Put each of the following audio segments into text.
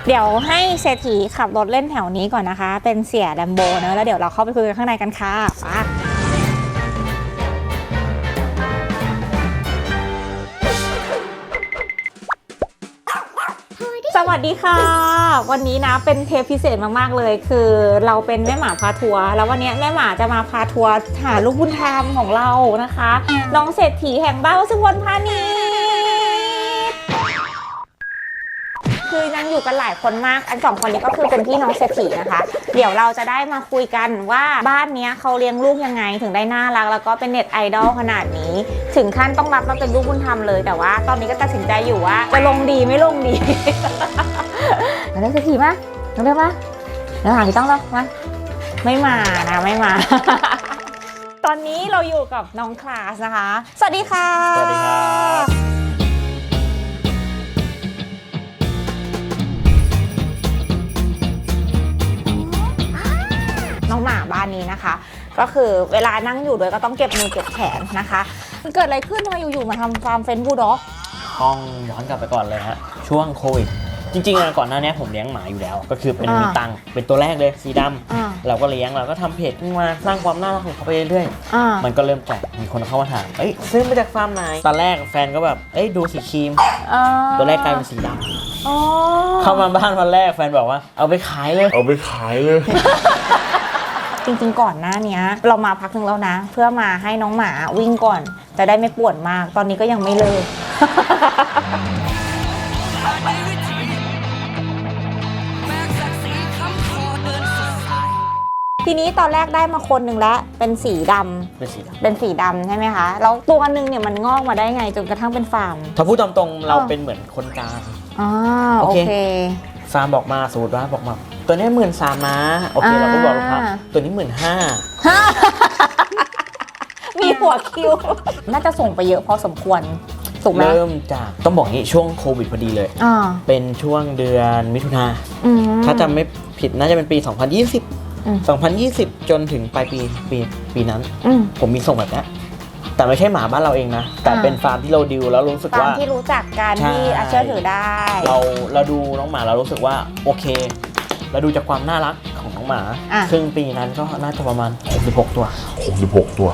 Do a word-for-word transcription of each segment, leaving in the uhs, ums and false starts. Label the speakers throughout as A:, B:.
A: เดี๋ยวให้เศรษฐีขับรถเล่นแถวนี้ก่อนนะคะเป็นเสี่ยแลมโบนะแล้วเดี๋ยวเราเข้าไปคุยกันข้างในกันค่ะไปสวัสดีค่ะวันนี้นะเป็นเทปพิเศษมากๆเลยคือเราเป็นแม่หมาพาทัวร์แล้ววันนี้แม่หมาจะมาพาทัวร์หาลูกบุญธรรมของเรานะคะน้องเศรษฐีแห่งบ้านวสุวรรณพาณิชย์คือยังอยู่กันหลายคนมากอันสองคนนี้ก็คือเป็นพี่น้องเศรษฐีนะคะเดี๋ยวเราจะได้มาคุยกันว่าบ้านนี้เขาเลี้ยงลูกยังไงถึงได้น่ารักแล้วก็เป็นเน็ตไอดอลขนาดนี้ถึงขั้นต้องรับมาเป็นลูกบุญธรรมเลยแต่ว่าตอนนี้ก็ตัดสินใจอยู่ว่าจะลงดีไม่ลงดีมาได้เศรษฐีมาลงได้ปะเดี๋ยวหาพี่ต้องแล้วมาไม่มานะไม่มา ตอนนี้เราอยู่กับน้องคลาสนะคะสวัสดีค่ะ
B: สวัสดีครับ
A: น้องหมาบ้านนี้นะคะก็คือเวลานั่งอยู่ด้วยก็ต้องเก็บมือเก็บแขนนะคะมันเกิดอะไรขึ้นทำไมอยู่ๆมาทำฟาร์มเฟรนช์บูลด็อก
B: ต้องย้อนกลับไปก่อนเลยฮะช่วงโควิดจริงๆก่อนหน้านี้ผมเลี้ยงหมาอยู่แล้วก็คือเป็นมีตังเป็นตัวแรกเลยสีดำเราก็เลี้ยงเราก็ทำเพจขึ้นมาสร้างความน่ารักของเขาไปเรื่อยๆมันก็เริ่มจากมีคนเข้ามาถามเอ้ยซื้อมาจากฟาร์มไหนตอนแรกแฟนก็แบบเอ้ยดูสีครีมตัวแรกกลายเป็นสีดำเข้ามาบ้านวันแรกแฟนบอกว่าเอาไปขายเลย
C: เอาไปขายเลย
A: จริงๆก่อนหน้านี้เรามาพักหนึ่งแล้วนะเพื่อมาให้น้องหมาวิ่งก่อนจะได้ไม่ปวดมากตอนนี้ก็ยังไม่เลิก ทีนี้ตอนแรกได้มาคนหนึ่งแล้วเป็นสีดำ
B: เป็นสีดำ
A: เป็นสีดำใช่ไหมคะแล้วตัวนึงเนี่ยมันงอกมาได้ไงจนกระทั่งเป็นฟาร์ม
B: ถ้าพูดตรงๆเราเป็นเหมือนคนกลาง
A: อ๋อโอเค
B: ฟาร์มบอกมาสมมติว่าบอกมาตัวนี้หมื่นสามนะโอเคเราก็บอกลูกค้าตัวนี้หมื่นห้า
A: มีหัวคิวน่าจะส่งไปเยอะพอสมควรถูกไหม
B: เริ่มจากต้องบอกงี้ช่วงโควิดพอดีเลยเป็นช่วงเดือนมิถุนาถ้าจำไม่ผิดน่าจะเป็นปีสองพันยี่สิบ สองพันยี่สิบจนถึงปลายปีปีปีนั้นผมมีส่งแบบนี้แต่ไม่ใช่หมาบ้านเราเองนะแต่เป็นฟาร์มที่เราดิวแล้วรู้สึกว่า
A: ฟาร์มที่รู้จักกันที่เชื่อถือได้
B: เราเราดูน้องหมาเรารู้สึกว่าโอเคเราดูจากความน่ารักของน้องหมาครึ่งปีนั้นก็น่าจะประมาณหกสิบหกตัว
C: หกสิบหกตัว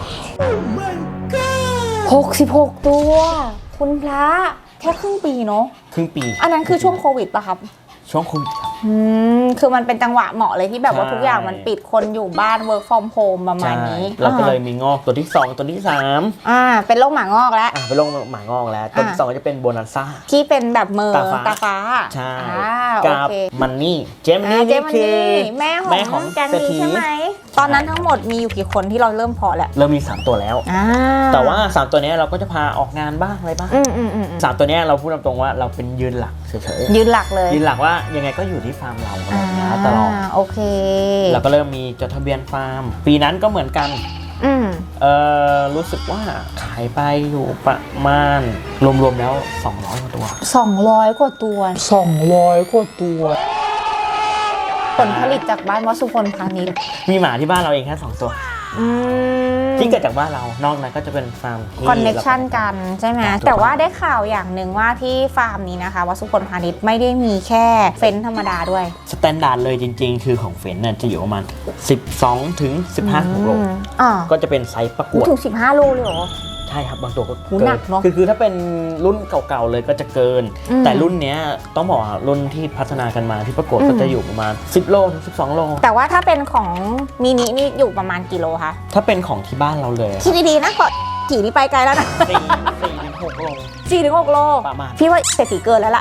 A: หกสิบหกตัวคุณพระแค่ครึ่งปีเนาะ
B: ครึ่งปี
A: อันนั้นคือช่วงโควิดป่ะครับ
B: ช่วงโควิด
A: อืมคือมันเป็นจังหวะเหมาะเลยที่แบบว่าทุกอย่างมันปิดคนอยู่บ้าน work from home ประมาณนี้
B: เราก็เลยมีงอกตัวที่สองตัวที่สาม
A: อ่าเป็นโรคหมางอกแล้ว
B: อ่าเป็นโรคหมางอกแล้วตัวที่สองก็จะเป็นโบนัสซ่า
A: ที่เป็นแบบเมอร์ตาฟ้า
B: ใช่กับมันนี่เจมนี่นี่คือ
A: แม่ของแม่ของแกนนี่ใช่ไหมตอนนั้นทั้งหมดมีอยู่กี่คนที่เราเริ่มพอแล้ว
B: เริ่มมีสามตัวแล้วแต่ว่าสามตัวนี้เราก็จะพาออกงานบ้างอะไรบ้างสามตัวนี้เราพูดตรงๆว่าเราเป็นยืนหลักเฉย
A: ๆยืนหลักเลย
B: ยืนหลักว่ายังไงก็อยู่ที่ฟาร์มเราอะไรอย่างเงี้ยตลอด
A: โอเค
B: เราก็เริ่มมีจดทะเบียนฟาร์มปีนั้นก็เหมือนกัน
A: อืม
B: เออรู้สึกว่าขายไปอยู่ประมาณรวมๆแล้วสองร้อยกว่าตัว
A: สองร้อยกว่าตัว
C: สองร้อยกว่าตัว
A: ผลผลิตจากบ้านวสุวรรณพาณิชย์
B: มีหมาที่บ้านเราเองแค่สองตัวที่เกิดจากบ้านเรานอกนั้นก็จะเป็นฟาร์มที่
A: คอนเนคชั่นกันใช่ไหมแต่ว่าได้ข่าวอย่างหนึ่งว่าที่ฟาร์มนี้นะคะวสุวรรณพาณิชย์ไม่ได้มีแค่เฟ้นธรรมดาด้วย
B: สแตนดาร์ดเลยจริงๆคือของเฟ้นเนี่ยจะอยู่ประมาณสิบสองถึงสิบห้าโลก็จะเป็นไซส์ประกวด
A: ถึงสิบห้าโลเลยเหรอ
B: ใช่ครับบางตัวก็เกินคือคือถ้าเป็นรุ่นเก่าๆเลยก็จะเกินแต่รุ่นนี้ต้องบอกว่ารุ่นที่พัฒนากันมาที่ประกวดก็จะอยู่ประมาณสิบโลถึงสิบสองโล
A: แต่ว่าถ้าเป็นของมินินี่อยู่ประมาณกี่โลคะ
B: ถ้าเป็นของที่บ้านเราเลย
A: คิดดีๆนะก็ขี่นี่ไปไกลแล้วนะ
B: สี่สี่ถึงหกโล
A: สี่ถึงหกโล
B: ประมาณ
A: พี่ว่าเศรษฐีเกินแล้วล่ะ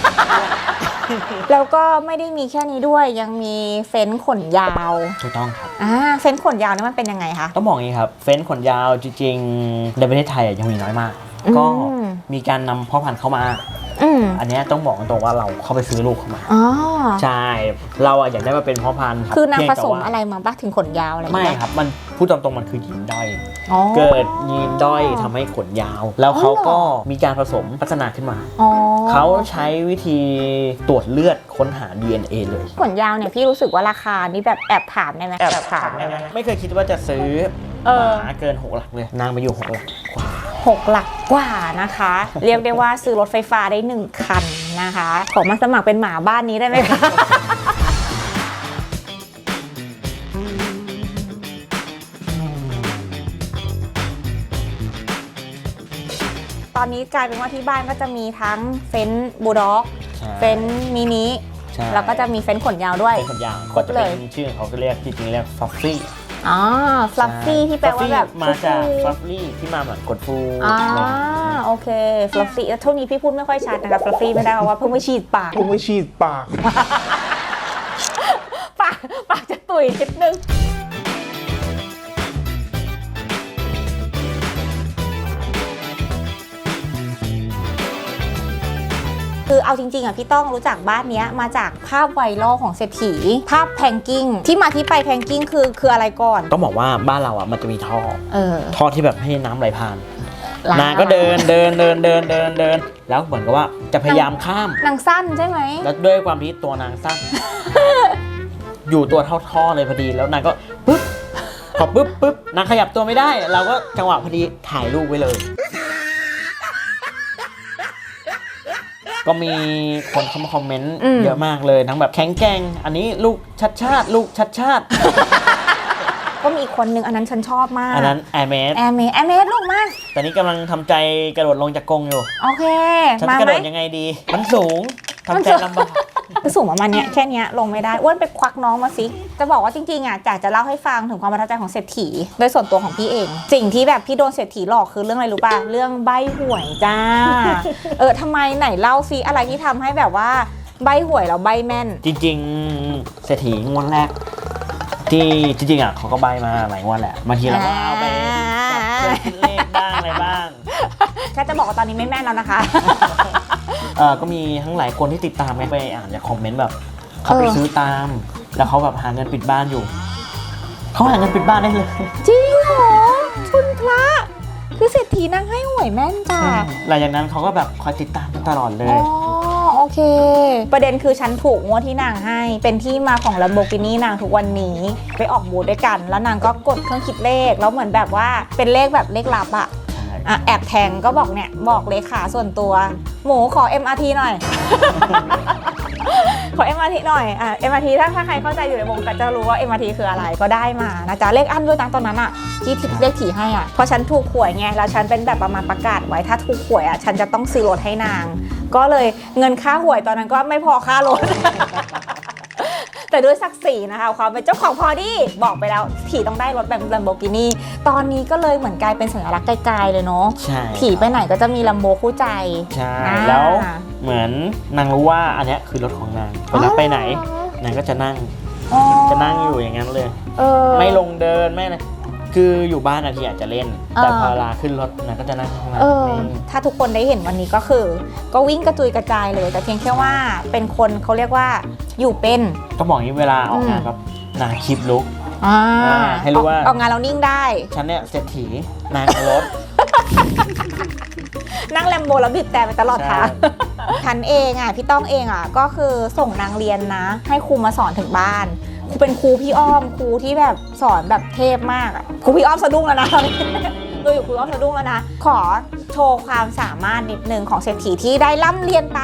A: แล้วก็ไม่ได้มีแค่นี้ด้วยยังมีเฟ้นขนยาว
B: ถูกต้องครับ
A: อ่าเฟ้นขนยาวนี่มันเป็นยังไงคะ
B: ต้องบอกอย่างนี้ครับเฟ้นขนยาวจริงๆในประเทศไทยยังมีน้อยมากก็มีการนำพ่อพันธุ์เข้ามาอันนี้ต้องบอกตรงว่าเราเข้าไปซื้อลูกเข้ามาใช่เราอยากได้มาเป็นพ่อพันธุ์
A: คือนำผสมอะไรมาบ้างถึงขนยาวอะไร
B: ไม่ครับมันพูดตรงๆมันคือยีนด้อยเกิดยีนด้อยทำให้ขนยาวแล้วเขาก็มีการผสมพัฒนาขึ้นมาเขาใช้วิธีตรวจเลือดค้นหา ดี เอ็น เอ เลย
A: ขนยาวเนี่ยพี่รู้สึกว่าราคานี่แบบแอบถามได้ไหม
B: แอบถามได้ไหมไม่เคยคิดว่าจะซื้อหมาเกินหกหลักเลยนางไปอยู่หกหลักกว่า
A: หกหลักกว่านะคะ เรียกได้ว่าซื้อรถไฟฟ้าได้หนึ่งคันนะคะขอมาสมัครเป็นหมาบ้านนี้ได้ไหมคะ ตอนนี้กลายเป็นว่าที่บ้านก็จะมีทั้งเฟ้นบูลด็อก
B: ใช่
A: เฟ้นมินิ
B: ใช่
A: แล้วก็จะมีเฟ้นขนยาวด้วย
B: เป็นคนยาว
A: คร
B: ก็
A: บ
B: จะ
A: เล
B: เป็
A: ย
B: นชื่อเขาก็เรียกจริงๆเรียกฟลัฟฟี่
A: อ๋อฟลัฟฟี่ที่แปลว่าแบบ
B: มาจาก
A: ฟู
B: ฟลัฟฟี่ที่มาเหมือนกดฟู
A: ๆอ่าโอเคฟลัฟฟี่เท่านี้พี่พูดไม่ค่อยชัดนะคะฟลัฟฟี่ไม่ได้เพราะว่าเพิ่งไปฉีดปาก
C: กูไม่ฉีดปาก
A: ปากปากจะตุยนิดนึงคือเอาจริงๆอ่ะพี่ต้องรู้จักบ้านเนี้ยมาจากภาพไวรัลของเศรษฐีภาพแพงกิ้งที่มาที่ไปแพงกิ้งคือคืออะไรก่อน
B: ต้องบอกว่าบ้านเราอ่ะมันจะมีท่อ
A: เออ
B: ท่อที่แบบให้น้ำไหลผ่าน
A: ล้าง
B: นางก็เดินเดินเดินเดินเดินเดินแล้วเหมือนกับว่าจะพยายามข้าม
A: นางสั้นใช่ไหม
B: แล้วด้วยความที่ตัวนางสั้น อยู่ตัวเท่าท่อเลยพอดีแล้วนางก็ปึ๊บพอปึ๊บปึ๊บนางขยับตัวไม่ได้ เราก็จังหวะพอดีถ่ายรูปไว้เลย ก็มีคนเข้ามาคอมเมนต์เยอะมากเลยทั้งแบบแข็งแกร่งอันนี้ลูกชัดชาติลูกชัดชาติ
A: ก็มีอีกคนนึงอันนั้นฉันชอบมาก
B: อันนั้นแอร์เมส
A: แอร์เมสแอร์เมสลูกมาก
B: แต่นี้กำลังทำใจกระโดดลงจากกรงอยู่
A: โอเค
B: ฉัน
A: มา
B: จะกระ
A: ไหม
B: โดดยังไงดี มันสูงทำใจลำบาก
A: คือสูงประมาณเนี้ยแค่เนี้ยลงไม่ได้อ้วนไปควักน้องมาสิจะบอกว่าจริงๆอ่ะจากจะเล่าให้ฟังถึงความประทับใจของเศรษฐีโดยส่วนตัวของพี่เอง สิ่งที่แบบพี่โดนเศรษฐีหลอกคือเรื่องอะไรรู้ป่ะเรื่องใบหวยจ้า เออทำไมไหนเล่าซิอะไรที่ทำให้แบบว่าใบหวยแล้วใบแม่น
B: จริงๆเศรษฐีงวดแรก ที่จริงๆอ่ะเขาก็ใบมาหลายงวดแหละบางทีเราก็เอาไปจับเพื่อคิดเลขบ้างอะไรบ้าง
A: แค่จะบอกว่าตอนนี้ไม่แม่นแล้วนะคะ
B: เออก็มีทั้งหลายคนที่ติดตามไปอ่านจากคอมเมนต์แบบเขาไป
A: เออ
B: ซื้อตาม แล้วเขาแบบหาเงินปิดบ้านอยู่เขาหาเงินปิดบ้านได้เลย
A: จริงเหรอคุณพระคือเศรษฐีนางให้หวยแม่นจ้า
B: หลังจากนั้นเขาก็แบบคอยติดตามตลอดเล
A: อ๋
B: ย
A: อโอเค ประเด็นคือฉันถูกงวดที่นางให้ เป็นที่มาของ Lamborghini นางทุกวันนี้ไปออกบูธด้วยกัน แล้วนางก็กดเครื่องคิดเลข แล้วเหมือนแบบว่าเป็นเลขแบบเลขลับอะอ่ะแอบแทงก็บอกเนี่ย บอกเลขาส่วนตัว หมูขอ เอ็ม อาร์ ที หน่อย ขอ เอ็ม อาร์ ที หน่อยอ่ะ เอ็ม อาร์ ที ถ้าถ้าใครเข้าใจอยู่ในวงการจะรู้ว่า เอ็ม อาร์ ที คืออะไรก็ได้มานะจ๊ะเลขอันด้วยนะตอนนั้นอะที่เลขถี่ให้อ่ะเพราะฉันถูกหวยไงแล้วฉันเป็นแบบประมาณประกาศไว้ถ้าถูกหวยอ่ะฉันจะต้องซื้อรถให้นาง ก็เลยเงินค่าหวยตอนนั้นก็ไม่พอค่ารถ แต่ด้วยศักดิ์ศรีนะคะความเป็นเจ้าของพอดี้บอกไปแล้วถี่ต้องได้รถแบบ Lamborghini ตอนนี้ก็เลยเหมือนกลายเป็นสัญลักษณ์ไกลๆเลยเนาะ
B: ใช่
A: ถี่ไปไหนก็จะมีลัมโบคู่ใจ
B: ใช่
A: อ่า
B: แล้วเหมือนนางรู้ว่าอันเนี้ยคือรถของนางเวลาไปไหนนางก็จะนั่ง
A: อ๋อ
B: จะนั่งอยู่อย่างนั้นเลย
A: เออ
B: ไม่ลงเดินไม่อะไรคืออยู่บ้านอาทีอาจจะเล่น
A: อ่า
B: แต่พอเวลาขึ้นรถนางก็จะนั่งข้างหลัง
A: เออ
B: นี่
A: ถ้าทุกคนได้เห็นวันนี้ก็คือ ก็วิ่งกระจุยกระจายเลย แต่เพียงแค่ว่าเป็นคนเขาเรียกว่าอยู่เป็น
B: ต้องบอกอย่างนี้เวลาออกงาน
A: อืม
B: ครับนางคลิปลุก
A: อ่า
B: อ่าให้รู้ว่า
A: ออกงานเรานิ่งได้
B: ฉันเนี่ยเศรษฐีนางรถ
A: นั่งแลมโบแล้วบีบแต่ไปตลอดทาง ฉันเองอ่ะพี่ต้องเองอ่ะก็คือส่งนางเรียนนะ ให้ครูมาสอนถึงบ้านครูเป็นครูพี่อ้อมครูที่แบบสอนแบบเทพมากอ่ะครูพี่อ้อมสะดุ้งแล้วนะ เราอยู่ครูอ้อมสะดุ้งแล้วนะขอโชว์ความสามารถนิดนึงของเศรษฐีที่ได้ร่ำเรียนไป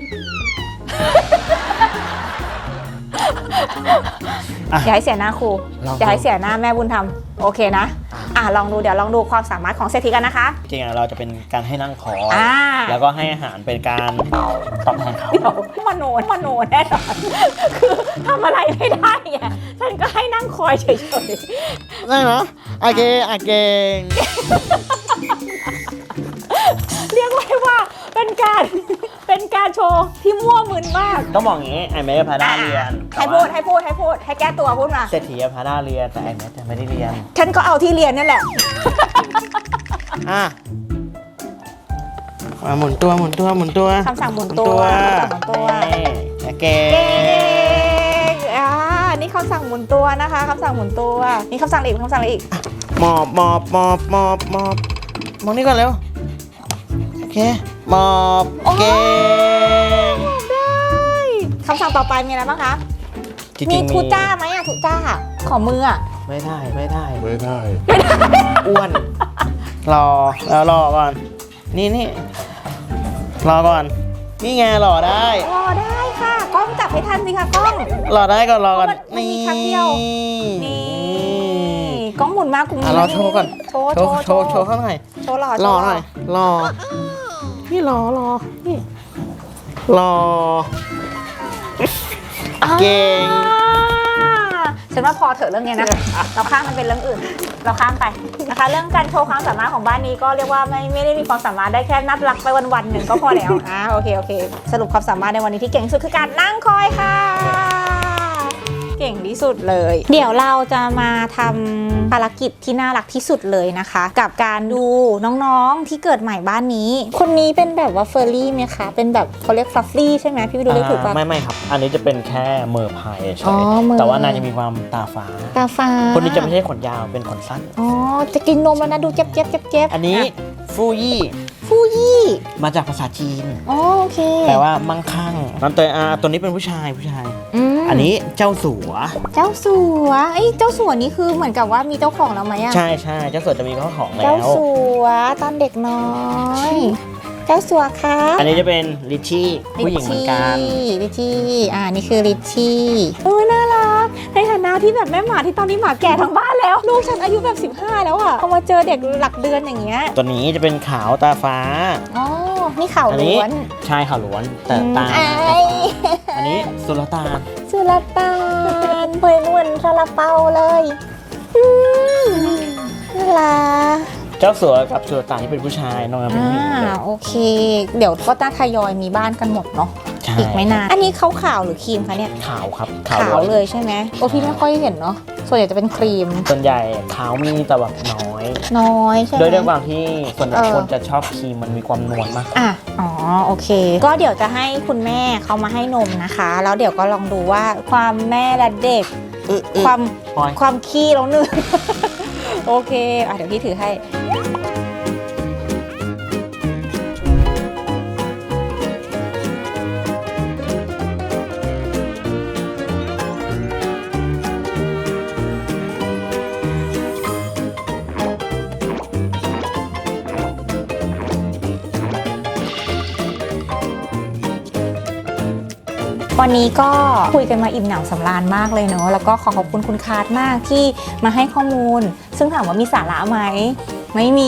B: อ่ะ
A: อย่าให้เสียหน้าครู
B: ลองดู
A: อย่าให้เสียหน้าแม่บุญธรรมโอเคนะอ่ะลองดูเดี๋ยวลองดูความสามารถของเศรษฐีกันนะคะ
B: จริงๆเราจะเป็นการให้นั่งคอย
A: อ่า
B: แล้วก็ให้อาหารเป็นการตอบแทนเขา
A: เดี๋ยวมโนมโนแน่นอนคือทำอะไรไม่ได้ไงฉันก็ให้นั่งคอยเฉย
B: ได้เหรอโอเคโอเค
A: ๆเรียกไว้ว่าเป็นการเป็นการโชว์ที่มั่วมึนมาก
B: ต้องบอกอย่างนี้ไอแมทพาด้าเรียน
A: ให้พูดให้พูดให้พูดให้แก้ตัวพูดมา
B: เศรษฐีพาด้าเรียนแต่ไอแมทจะไม่ได้เรียน
A: ฉันก็เอาที่เรียนนั่นแหละ
B: อ่ะมาหมุนตัวหมุนตัวหมุนตัว
A: คำสั่งหมุนตัวคำสั่งหมุนตัว
B: นี่โอเค
A: เก่งอ่านี่คำสั่งหมุนตัวนะคะคำสั่งหมุนตัวนี่คำสั่งอะไรอีกคำสั่งอะไรอีก
B: หมอบหมอบหมอบหมอบหมอบมองนี่ก่อนเร็วโอเคหมอบเก่ง
A: ได้คำสั่งต่อไปมีอะไรบ้างคะ
B: จริงๆ
A: มีทูจ้าไหมอะทูจ้าขอมืออะ
B: ไม่ได้ไม่ได้
C: ไม่ได้
B: อ้วนรอแล้วรอก่อน นี่นี่รอก่อน นี่ไงรอได้
A: รอได้ค่ะกล้องจับให้ทันสิคะกล้อง
B: รอได้ก่อนรอก่อน
A: มันมันมีครั้งเดียว นี่กล้องหมุนมากกลุ่ม
B: อ่ะรอโชว์ก่อน
A: โชว์
B: โชว์โชว์โชว์เข้าหน่อย
A: โชว์หล่อ
B: รอหน่อยรอนี่รอรอนี่รอเก่ง
A: ฉันว่าพอเถอะเรื่องนี้นะ เราข้ามมันเป็นเรื่องอื่น เราข้ามไปนะคะ เรื่องการโชว์ความสามารถของบ้านนี้ก็เรียกว่าไม่ไม่ได้มีความสามารถได้แค่นัดรักไปวันๆหนึ่งก็พอแล้วอ่าโอเคโอเค สรุปความสามารถในวันนี้ที่เก่งที่สุดคือการนั่งคอยค่ะ เก่งที่สุดเลย เดี๋ยวเราจะมาทำภารกิจที่น่ารักที่สุดเลยนะคะ กับการดูน้องๆที่เกิดใหม่บ้านนี้ คนนี้เป็นแบบว่าเฟอร์รี่ไหมคะ เป็นแบบเขาเรียกฟลัฟฟี่ใช่ไหมพี่วิดูเรียกถูกปะ
B: ไม่ไม่ครับ อันนี้จะเป็นแค่เมอร์พายเฉ
A: อ๋
B: ย
A: อเมอร์
B: แต่ว่านางจะมีความตาฟ้า
A: ตาฟ้า
B: คนนี้จะไม่ใช่ขนยาวเป็นขนสั้น
A: อ๋อ จะกินนมแล้วนะดูเจ็บเจ็บเจ็บเจ็บ
B: อันนี้ฟูยี่
A: ฟูยี่
B: มาจากภาษาจีน
A: อ๋อโอเค
B: แปลว่ามั่งคั่งนั่นตัวอ่าตัวนี้เป็นผู้ชายผู้ชาย
A: ม
B: อันนี้เจ้าสัว
A: เจ้าสัวไอ้ยเจ้าสัวนี่คือเหมือนกับว่ามีเจ้าของแล้วไหมอะ
B: ใช่ใช่เจ้าสัวจะมีข้าวของแล้
A: เจ้าว สัวตอนเด็กน้อย เจ้าสัวครับ
B: อันนี้จะเป็นลิชชี่ผู้หญิงเหมือนกัน
A: ลิชชี่อ่านี่คือลิชชี่โอ้ยน่ารักในฐานะที่แบบแม่หมาที่ตอนนี้หมาแก่ทั้งบ้านแล้วลูกฉันอายุแบบสิบห้าแล้วอะพอมาเจอเด็กหลักเดือนอย่างเงี้ย
B: ตัวนี้จะเป็นขาวตาฟ้า
A: อ๋อนี่ข่าว
B: อันนี้
A: ล้วน
B: ชายขาวล้วนแต่ตา
A: อืมไอ้
B: อันนี้สุลต่าน
A: สุลต่านเหมือนเหมือนซาลาเปาเลยอืมน่ารัก
B: เจ้าสัวกับสุลต่านที่เป็นผู้ชายน้องเป็น
A: อ่า
B: ผู้หญิงเลย
A: โอเค เดี๋ยวก็น่าทยอยมีบ้านกันหมดเนาะ
B: ใช่
A: อีกไม่นานอันนี้เขาขาวหรือครีมคะเนี่ย
B: ขาวครับ
A: ขาว
B: ล้วน
A: เลยใช่ไหมโอ้พี่ไม่ค่อยเห็นเนาะส่วนใหญ่จะเป็นครีม
B: ส่วนใหญ่ขาวมีแต่แบบน้อย
A: น้อยใช่ไหม
B: โดยด้วยความที่ส่วนใหญ่
A: เออ
B: คนจะชอบครีมมันมีความนวลมาก
A: อ่ะอ๋อโอเค ก็เดี๋ยวจะให้คุณแม่เขามาให้นมนะคะ แล้วเดี๋ยวก็ลองดูว่าความแม่และเด็ก
B: อึอึ
A: ความ
B: ปล่อย
A: ความขี้แล้วหนึ่ง โอเคอ่ะเดี๋ยวพี่ถือให้ วันนี้ก็คุยกันมาอิ่มหนำสำราญมากเลยเนอะแล้วก็ขอขอบคุณคุณคาร์ดมากที่มาให้ข้อมูล ซึ่งถามว่ามีสาระไหมไม่มี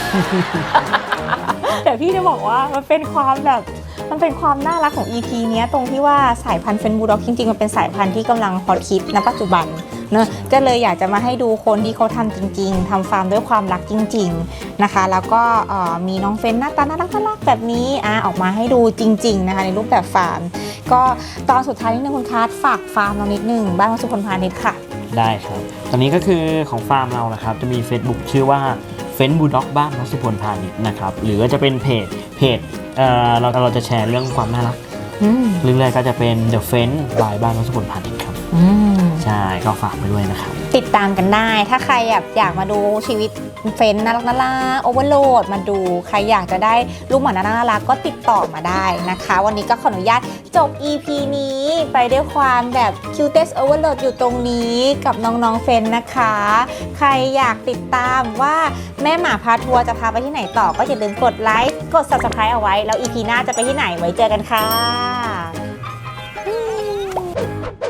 A: แต่พี่จะบอกว่ามันเป็นความแบบมันเป็นความน่ารักของ อี พี เนี้ยตรงที่ว่าสายพันธุ์เฟนบูลด็อกจริงๆมันเป็นสายพันธุ์ที่กำลังฮอตฮิตณปัจจุบันเนอะก็เลยอยากจะมาให้ดูคนที่เขาทำจริงๆทำฟาร์มด้วยความรักจริงๆนะคะแล้วก็เอ่อมีน้องเฟนหน้าตาน่ารักน่ารักแบบนี้อ่ะออกมาให้ดูจริงๆนะคะในรูปแบบฟาร์มก็ตอนสุดท้ายนิดนึงคุณคาร์ดฝากฟาร์มเรานิดนึงบ้านวัสุพลพาณิชย์ค่ะ
B: ได้ครับ ตอนนี้ก็คือของฟาร์มเรานะครับ จะมี Facebook ชื่อว่าเฟนบูลด็อกบ้านวัสุพลพาณิชย์นะครับ หรือว่าจะเป็นเพจเพจเอ่อเราเราจะแชร์เรื่องความน่ารัก
A: อืม
B: เรื่องแรกก็จะเป็น The f e n by บ้านวัสุพลพาณิชย์ครับ
A: อืม
B: ใช่ก็ฝากไปด้วยนะครับ
A: ติดตามกันได้ถ้าใครอยากอยากมาดูชีวิตเฟ้นน่ารักน่ารักโอเวอร์โหลดมาดูใครอยากจะได้ลูกหมาน่ารักน่ารักก็ติดต่อมาได้นะคะ วันนี้ก็ขออนุญาตจบ อี พี นี้ไปด้วยความแบบ cutest overload อยู่ตรงนี้กับน้องๆเฟ้นนะคะ ใครอยากติดตามว่าแม่หมาพาทัวร์จะพาไปที่ไหนต่อก็อย่าลืมกดไลค์กด subscribe เอาไว้แล้ว อี พี หน้าจะไปที่ไหนไว้เจอกันค่ะ